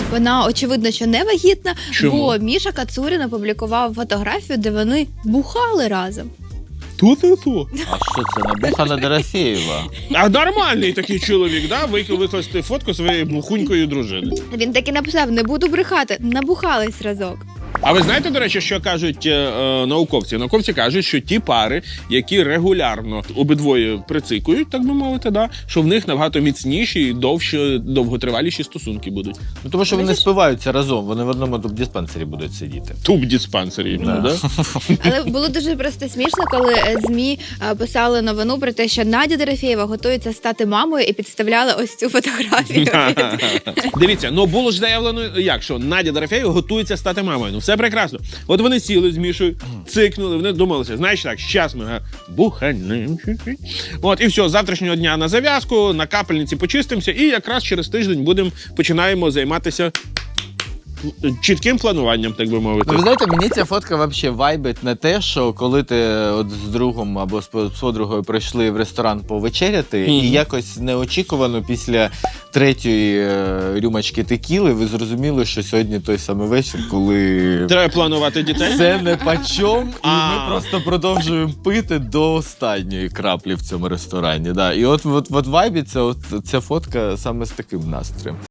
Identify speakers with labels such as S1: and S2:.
S1: вона, очевидно, що не вагітна,
S2: Чому?
S1: бо Міша Кацурін опублікував фотографію, де вони бухали разом.
S2: Ту-ту-ту.
S3: А що це, набухана Дорофєєва?
S2: А нормальний такий чоловік, да? Викласти фотку своєї бухунької дружини.
S1: Він таки написав: не буду брехати, набухались разок.
S2: А ви знаєте, до речі, що кажуть науковці? Науковці кажуть, що ті пари, які регулярно обидвоє прицикують, так би мовити, да, що в них набагато міцніші і довготриваліші стосунки будуть.
S3: Ну, тому що вони спиваються разом, вони в одному диспансері будуть сидіти.
S2: Туб-диспансері, да.
S1: Але було дуже просто смішно, коли ЗМІ писали новину про те, що Надя Дорофєєва готується стати мамою і підставляли ось цю фотографію.
S2: Дивіться, ну було ж заявлено, як, що Надя Дорофєєва готується стати мамою. Ну все прекрасно. От вони сіли з Мішою, цикнули, вони думалися, знаєш так, щас ми буханем. От, і все, з завтрашнього дня на зав'язку, на капельниці почистимося, і якраз через тиждень починаємо займатися чітким плануванням, так би мовити.
S3: Ну, ви знаєте, мені ця фотка взагалі вайбить на те, що коли ти от з другом або з подругою прийшли в ресторан повечеряти, і якось неочікувано після третьої рюмочки текіли ви зрозуміли, що сьогодні той самий вечір, коли
S2: Треба планувати дітей.
S3: все не почом, і ми просто продовжуємо пити до останньої краплі в цьому ресторані. Да. І от вайбиться ця фотка саме з таким настроєм.